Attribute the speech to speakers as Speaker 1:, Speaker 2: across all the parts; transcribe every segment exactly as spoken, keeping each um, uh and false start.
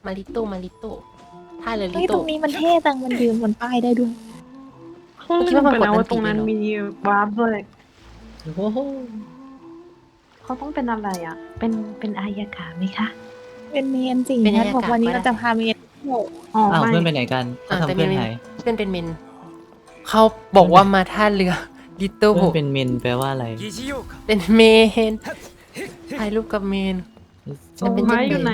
Speaker 1: มาริโต้มาริโต้ท่าเรือลิ
Speaker 2: เฮ้ยต
Speaker 1: โต้
Speaker 2: รงนี้มันเท่จังมันยืนบนป้ายได้ด้วย
Speaker 1: คิดว่ามันกด
Speaker 3: เป็น
Speaker 1: อัน
Speaker 3: ว่า
Speaker 1: ติ
Speaker 3: ตรงนั้น
Speaker 1: เลยเหรอ
Speaker 3: มีวาร์ปด้วย
Speaker 4: โอ้โห
Speaker 3: เขาต้องเป็นอะไรอ่ะ เป็นเป็นอายากาไหมคะ
Speaker 2: เป็นเมนจริง
Speaker 1: เป็น
Speaker 2: นะ
Speaker 1: อายากาศ
Speaker 2: บอกวันนี้
Speaker 1: ก็ได้
Speaker 2: เราจะพาเมนเที่ยว
Speaker 3: อ๋อ
Speaker 4: อ้าว
Speaker 3: ไม่
Speaker 4: เพื่อนไปไหนกันเขา
Speaker 1: อ่า
Speaker 4: ทำ
Speaker 1: แต่
Speaker 4: เพื่อน
Speaker 1: เมน
Speaker 4: หาย
Speaker 1: เพื่อนเป็นเมนเขาบอกว่ามาท่าเรือลิโต้
Speaker 4: เพื่อนเป็นเมนแปลว่าอะไร
Speaker 1: เป็นเมนถ่ายรูปกับเมน จะเป็น
Speaker 3: ไม้อยู่ไหน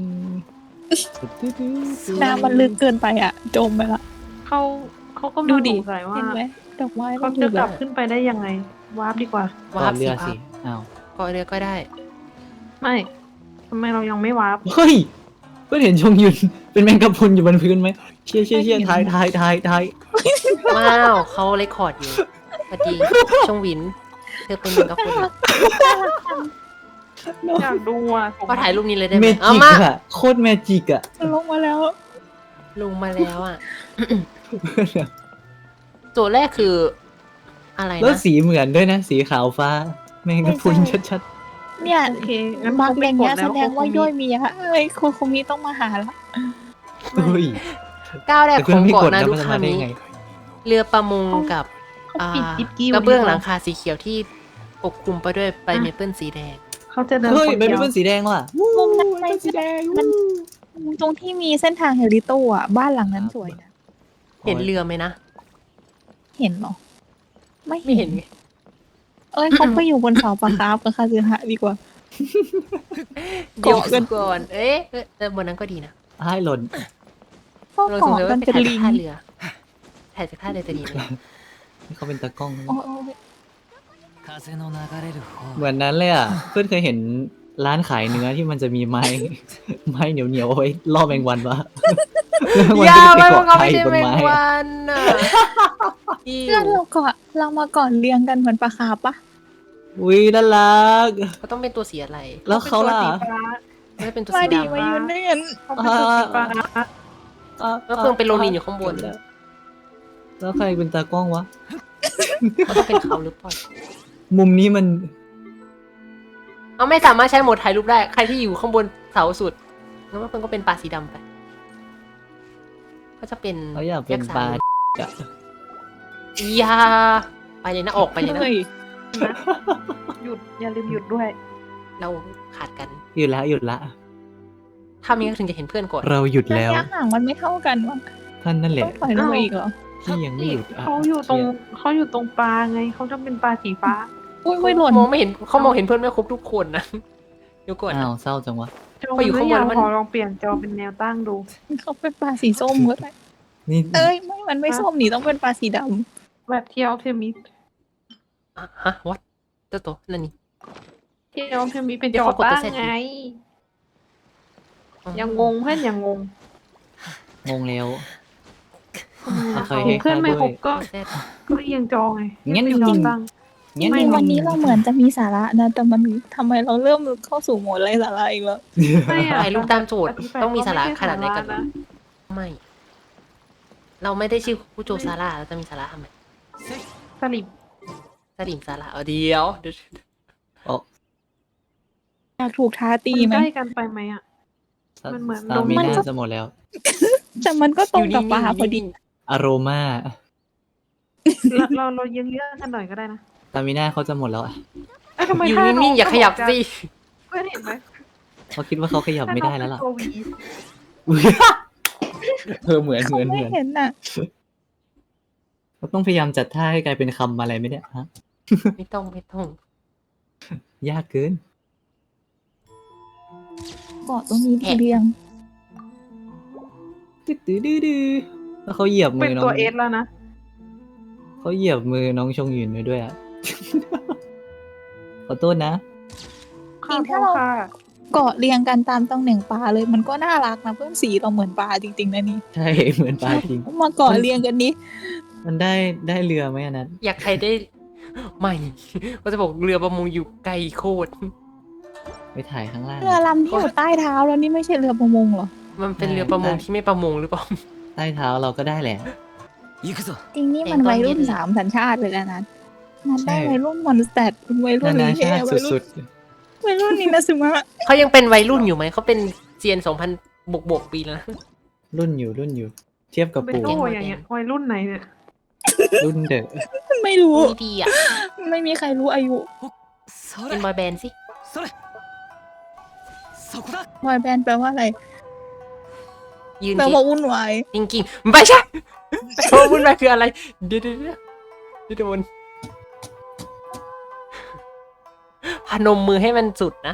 Speaker 2: น้ำมันลึกเกินไปอ่ะ จมไปละ
Speaker 3: เขาเขาก็
Speaker 2: ดู
Speaker 3: มาส
Speaker 2: ดิ
Speaker 3: งสัยว่า
Speaker 2: เห็นไหมดอกไม้
Speaker 3: เขา
Speaker 2: มันอ
Speaker 3: จะ
Speaker 2: ยู่
Speaker 3: ก
Speaker 2: แบ
Speaker 3: ลั
Speaker 2: บบ
Speaker 3: ขึ้นไปได้ยังไง วาร์ปดีกว่า
Speaker 1: วาร์ป
Speaker 4: เรื
Speaker 1: สิ
Speaker 4: อ
Speaker 1: ครั
Speaker 4: สิ
Speaker 1: บ
Speaker 4: อ้าว
Speaker 1: เกาะเรือก็ได้
Speaker 3: ไม่ทำไมเรายังไม่วาร์ป
Speaker 4: เฮ้ยเพื่อนเห็นชงยุนเป็นแมงกะพรุนอยู่บนพื้นไหมเชี่ยเชี่ยเชี่ยทายทายทายทาย
Speaker 1: ว้าวเขาเรคคอร์ดอยู่สวัสดีชงหวิน เธอเป็นเหมือนกับคน
Speaker 3: อยากดูอ่ะส่ง
Speaker 1: ก็ถ่ายรูปนี้เลยได้ไห
Speaker 4: เม
Speaker 1: ม
Speaker 4: จิ
Speaker 1: เอา
Speaker 4: ก
Speaker 1: มา
Speaker 4: อะโคตรแมจิกอะ
Speaker 2: ลงมาแล้ว
Speaker 1: ลงมาแล้วอ่ะ โจทย์แรกคือ อะไร
Speaker 4: แล้ว
Speaker 1: นะ
Speaker 4: สีเหมือนด้วยนะ สีขาวฟ้า แมงกะพรุนชัด
Speaker 2: เนี่ย
Speaker 3: โอเคงั้น
Speaker 2: บาง
Speaker 3: เขา
Speaker 2: อ
Speaker 3: ไม่
Speaker 2: ย่าง
Speaker 3: ก
Speaker 2: เงี้
Speaker 3: ด
Speaker 2: ย
Speaker 3: แล้
Speaker 2: แส
Speaker 3: ว
Speaker 2: ดงว่าย่อยมีอะเอ้ยคุณคุมิต้องมาหาละ
Speaker 4: ๆเฮ้ย
Speaker 1: ก้าวแรก
Speaker 4: แต่
Speaker 1: ข
Speaker 4: เพื่อ
Speaker 1: อน ง
Speaker 4: ไม่ก
Speaker 1: เกาะ
Speaker 4: ด
Speaker 1: นา
Speaker 4: แล้ว
Speaker 1: รุ
Speaker 4: มันจะ
Speaker 1: คา
Speaker 4: มาได้
Speaker 1: มิ
Speaker 4: ไง
Speaker 1: เรือประมงกับ
Speaker 3: เขา
Speaker 1: อ่า
Speaker 3: ปิดจิบกิ้ว
Speaker 1: กระเบื้องหลังคาสีเขียวที่ปกคลุมไปด้วยใบเมเปิลสีแดง
Speaker 3: เขาจะเดิน
Speaker 4: เฮ้ย
Speaker 3: คน
Speaker 4: เป็น
Speaker 3: เดียว
Speaker 4: เป็นสีแดงว่ะ
Speaker 2: มุมนั้นไป
Speaker 4: เป็นสีแดง
Speaker 2: มันตรงที่มีเส้นทางเฮลิโตอ่ะ บ้านหลังนั้นสวยนะ
Speaker 1: เห็นเรือไหมนะ
Speaker 2: เห็นเหรอ ไม่
Speaker 1: ไม่เห็นไง
Speaker 2: เอ้ยเขาไปอยู่บนเสาปะครับกับคาซึฮะดีกว่า
Speaker 1: เดี๋ยว
Speaker 2: เกาะกัน
Speaker 1: ก่อน เอ๊ะเอ๊ะแต่บนนั้นก็ดีนะ
Speaker 4: ให้หล่น
Speaker 2: ก็
Speaker 1: เราสง
Speaker 2: เกาะ
Speaker 1: สัย
Speaker 2: กั
Speaker 1: ว่าน ไป
Speaker 2: เป็น
Speaker 1: ถ่าย
Speaker 2: ลิ
Speaker 1: จาก
Speaker 2: ง
Speaker 1: ท่าเรือ ถ่ายจากท่าเรือจะดีไหม
Speaker 4: นี่เขาเป็นตากล้องนะ
Speaker 2: โอ้ย
Speaker 4: เหมือนนั้นเลยอ่ะ เพื่อนเคยเห็นร้านขายเนื้อที่มันจะมีไม้ ไม้เหนียวเหนียวๆเอาไว้ล่อแมงวันปะแล้วแมง
Speaker 1: อย่า
Speaker 4: วัน
Speaker 1: มัน
Speaker 4: ก็
Speaker 1: ก็
Speaker 4: จะไป
Speaker 1: ไม่
Speaker 4: เกาะ
Speaker 1: ใช่
Speaker 4: ไข่บนไม้อะ
Speaker 1: แมงวันน่ะอิ
Speaker 2: เพื่อน
Speaker 1: ว
Speaker 2: เราเกาะเรามาก่อนเรียงกันเหมือนปลาคาร์ฟปะ
Speaker 4: อุ้ยน่ารัก
Speaker 1: เขาต้องเป็นตัวสีอะไร
Speaker 4: แล้วเขาล่ะ
Speaker 3: ป็นตัวสีฟ้า
Speaker 1: ไม่เป็นตัว
Speaker 2: มา
Speaker 1: สี
Speaker 2: ดี
Speaker 1: ดำ
Speaker 2: มายืนด้วยกัน
Speaker 3: เขาเป็นตัวสีฟ้า
Speaker 1: แล้วเพิ่งเป็นโรนินอยู่ข้างบน
Speaker 4: แล้วใครเป็นตากล้องวะ
Speaker 1: เขาต้องเป็นเขาหรือเปล่า
Speaker 4: มุมนี้มัน
Speaker 1: เอาไม่สามารถใช้โหมดถ่ายรูปได้ ใครที่อยู่ข้างบนเสาสุดงั้นว่าเพิ่งก็เป็นปลาสีดำไป ก็จะเป็น
Speaker 4: เขาอยากเป็นปลา
Speaker 1: ยักษ์
Speaker 4: อะ
Speaker 1: สามอยาไปเลยนะออกไปเลยนะ
Speaker 2: เฮ้ย
Speaker 3: หยุดอย่าลืมหยุดด้วย
Speaker 1: เราขาดกัน
Speaker 4: หยุดละหยุดละ
Speaker 1: ถ้ามีก็ถึงจะเห็นเพื่อนก่อน
Speaker 4: เราหยุด
Speaker 2: ระ
Speaker 4: แล้ว
Speaker 2: ยะห่างมันไม่เท่ากันวะ
Speaker 4: ท่านนั่นแห
Speaker 2: ต้อ
Speaker 4: ละ
Speaker 2: งปล่อยลงมาอีกเหรอ
Speaker 4: ที่ยังไม่หยุดะ
Speaker 3: เขาอยู่ตรงเขาอยู่ตรงปลาไง เขาจะเป็นปลาสีฟ้า
Speaker 2: อุ้ยไม่หล่น
Speaker 1: มองไม่เห็นเขามองเห็นเพื่อนไม่ครบทุกคนนะเดี๋ยวก่อน
Speaker 4: อ้า
Speaker 1: นะ
Speaker 4: วเศร้าจังวะ
Speaker 3: จอ
Speaker 1: พออยู่ข้างบน
Speaker 3: หรื
Speaker 1: มัน
Speaker 3: ขอลองเปลี่ยนจอเป็นแนวตั้งดู
Speaker 2: เขาเป็นปลาสีส้มก็ได้
Speaker 4: นี่
Speaker 2: เอ้ยไม่มันไม่ส้มนี่ต้องเป็นปลาสีด
Speaker 3: แบบเที่ยวเทมิส
Speaker 1: อ่ะฮะวัดเจ้าตัวนั่นนี่
Speaker 3: เที่ยวเทมิสเป็น
Speaker 1: เดี๋
Speaker 3: จ
Speaker 1: ยว
Speaker 3: อ
Speaker 1: เขากดตัว
Speaker 3: ตั้ง
Speaker 1: เสร็จ
Speaker 3: ไง ยังงงเพื่อนยังงง
Speaker 4: งงแล้ว
Speaker 3: อ่ะ
Speaker 4: เคยให้
Speaker 3: เพื่อนไม่
Speaker 4: ค่าด้วย
Speaker 3: ครบก็
Speaker 1: เสร็จ
Speaker 3: ก็เอียงจอไง
Speaker 4: งั้น
Speaker 3: เป็นจอตั้ง
Speaker 2: ำ
Speaker 4: งั้น
Speaker 2: จริงๆวันนี้เราเหมือนจะมีสาระนะ แต่มันทำไมเราเริ่มเข้าสู่โหมดไร้สาระอีกแล้ว
Speaker 3: ไม่อะ
Speaker 1: ถ่ายรูปตามโจทย์
Speaker 3: ธิบย
Speaker 1: ต้องมีสาระ
Speaker 3: ว่
Speaker 1: ขนาดไหนกัน
Speaker 3: ม่ใช่สระะ
Speaker 1: ไม่ เราไม่ได้ชื่อผู้โจซาร่าเราจะมีสาระทำไม
Speaker 3: สลิป
Speaker 1: สลิมสาระเอาเดียวเดี๋ยว
Speaker 2: อยากถูกท้าตี
Speaker 3: มัน
Speaker 2: ไหม
Speaker 3: ใกล้กันไปไหมอ่ะ มันเหมือน
Speaker 4: สตามิ
Speaker 2: มัน
Speaker 4: น่า
Speaker 2: ก็
Speaker 4: จะหมดแล้ว
Speaker 2: แต่มันก็ตรงกับปลาพอดี
Speaker 4: อโรมา
Speaker 3: เราเราเรายังเยอะกันหน่อยก็ได้นะ
Speaker 4: สตามิน่าเขาจะหมดแล้วอะ
Speaker 3: เอ้ยทำไม
Speaker 1: อยู่
Speaker 3: ท่
Speaker 1: นิ่งๆอย่าขยับสิ
Speaker 3: เพื่อนเห็นไหม
Speaker 4: เขาคิดว่าเขาขยับไม่ได้แล้วล่ะ
Speaker 3: ตัววี
Speaker 4: อุ๊ยเออเหมือนเห
Speaker 2: เขา
Speaker 4: มือน
Speaker 2: ไม่
Speaker 4: เหมือน
Speaker 2: เห็นน่ะ
Speaker 4: เขาต้องพยายามจัดท่าให้กลายเป็นคำอะไรไหมเนี่ยฮะ
Speaker 1: ไม่ต้องไม่ต้อง
Speaker 4: ยากเกิน
Speaker 2: เกาะตรงนี้ทีเรียง
Speaker 4: ดื้อดื้อดื้อดื้อแล้วเขาเหยียบมื
Speaker 3: เป็น
Speaker 4: อน้อ
Speaker 3: ตัว
Speaker 4: ง
Speaker 3: เอสแล้วนะ
Speaker 4: เขาเหยียบมือน้องชงหยุนไปด้วยอ่ะ ขอโทษนะ
Speaker 2: จริงถ้าเรา
Speaker 3: ค่ะ
Speaker 2: เกาะเรียงกันตามตำแหน่งปลาเลยมันก็น่ารักนะเพื่อนสีเราเหมือนปลาจริงๆนะนี่
Speaker 4: ใช่เหมือนปลาจริง
Speaker 2: มาเกาะเรียงกันนี้
Speaker 4: มันได้ได้เรือไหมอันนั้น
Speaker 1: อยากใครได้ ไม่ ก็จะบอกเรือประมงอยู่ไกลโคตร
Speaker 4: ไปถ่ายข้างล่าง
Speaker 2: เรือลำที่อยู่ใต้เท้าแล้วนี่ไม่ใช่เรือประมงเหรอ
Speaker 1: มันเป็นเรือประมงที่ไม่ประมงหรือเปล่า
Speaker 4: ใต้เท้าเราก็ได้แหละ
Speaker 2: จริงนี่มันวัยรุ่นสามสัญชาติเลยนะนัทนัทได้
Speaker 4: ใช่
Speaker 2: วัยรุ่นมอนสเตดวัยรุ่
Speaker 4: นาน นา
Speaker 2: ลีเฮ
Speaker 4: ชาติ
Speaker 2: วัยรุ่
Speaker 4: สุ
Speaker 2: น
Speaker 4: ด
Speaker 2: วัยรุ่นนี่นะซึมะ
Speaker 1: เขายังเป็นวัยรุ่นอยู่ไหม เขาเป็นเซียนสองพันบวกบวกปีแล้วนะ
Speaker 4: รุ่นอยู่รุ่นอยู่ เทียบกับ
Speaker 3: เป็น
Speaker 4: ปู่
Speaker 3: โอ้อย่างเงี้ยวัยรุ่นไหนเนี่ย
Speaker 4: รุ่นเดอะ
Speaker 2: ไม่รู้
Speaker 1: ดีดีอ่ะ
Speaker 2: ไม่มีใครรู้อายุ
Speaker 1: เป็นบอยแบนด์สิ
Speaker 2: บอยแบนด์แปลว่าอะไร
Speaker 1: ยืน
Speaker 2: แปล
Speaker 1: สิ
Speaker 2: ว่าวุ่นวาย
Speaker 1: จริงๆไม่ใช่โอ้วุ่นวายคืออะไร เดี๋ยวเดี๋ยวเดี๋ยวเดี๋ยวโดนพนมมือให้มันสุดนะ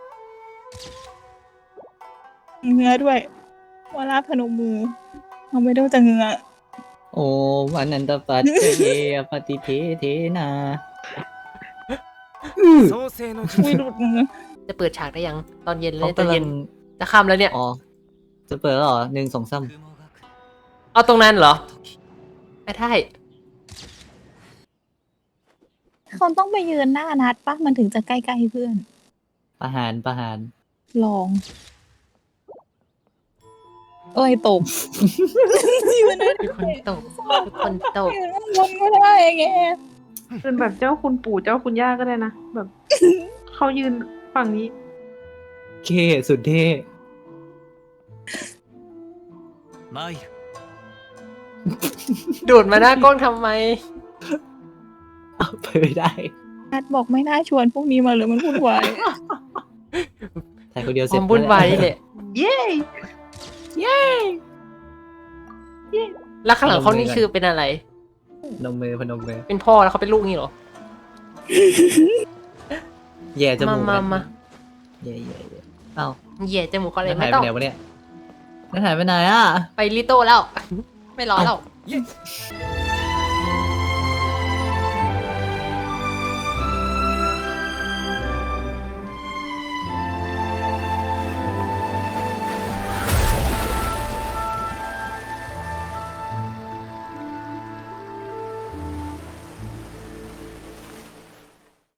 Speaker 2: เงื้อด้วยวลาพนมมือเราไม่ต้องจะเงื้อ
Speaker 4: โอ้วันนันตปัตเยปฏิเทเทนา
Speaker 2: อุ้ยหลุดมือ
Speaker 1: จะเปิดฉากได้ยัง ตอนเย็นเล
Speaker 4: เขา
Speaker 1: ยตอน
Speaker 4: กำลั
Speaker 1: เย็
Speaker 4: ง
Speaker 1: นจะค่ำแล้วเนี่ย
Speaker 4: อ๋อจะเปิดแล้วเหรอหนึ่งสองสาม
Speaker 1: เอาตรงนั้นเหรอ ไม่ได้
Speaker 2: เขาต้องไปยืนหน้านัดปะมันถึงจะใกล้ๆเพื่อน
Speaker 4: ประหารประหาร
Speaker 2: ลอง โอ้ยตก ยืนได้
Speaker 1: ทุกคนตกทุกคนตก
Speaker 2: ยืนข้างบนก็ได้ไง
Speaker 3: เป็นแบบเจ้าคุณปู่เจ้าคุณย่าก็ได้นะ แบบ เขายืนฝั่งนี้
Speaker 4: เคสุดเท่
Speaker 1: โดดมาหน้ากล้องทำไม
Speaker 4: เอาไปไม่ได้
Speaker 2: นัดบอกไม่น่าชวนพวกนี้มาเลยมันวุ่นวาย
Speaker 4: ถ่ายคนเดียว
Speaker 1: ค
Speaker 4: เสร็จ
Speaker 1: วามวุ่นวายนี่แหละ
Speaker 3: เย้
Speaker 1: แล้วข้างหลังเขานี่คือเป็นอะไร
Speaker 4: พนมมือพนมมือ
Speaker 1: เป็นพ่อแล้วเขาเป็นลูกนี่เหรอ
Speaker 4: แย่จมูก
Speaker 1: มามา
Speaker 4: นะ
Speaker 1: มา
Speaker 4: แย่แย่แย่เอ้า
Speaker 1: เหยียดจมูกเขาเลย
Speaker 4: แล้ว
Speaker 1: ไม่
Speaker 4: หาย
Speaker 1: ต้
Speaker 4: ไป
Speaker 1: อง
Speaker 4: ไหนวะเนี่ยแล้วหายไปไหนอ่ะ
Speaker 1: ไปลิโต้แล้ว ไม่รอแล้ว
Speaker 4: เ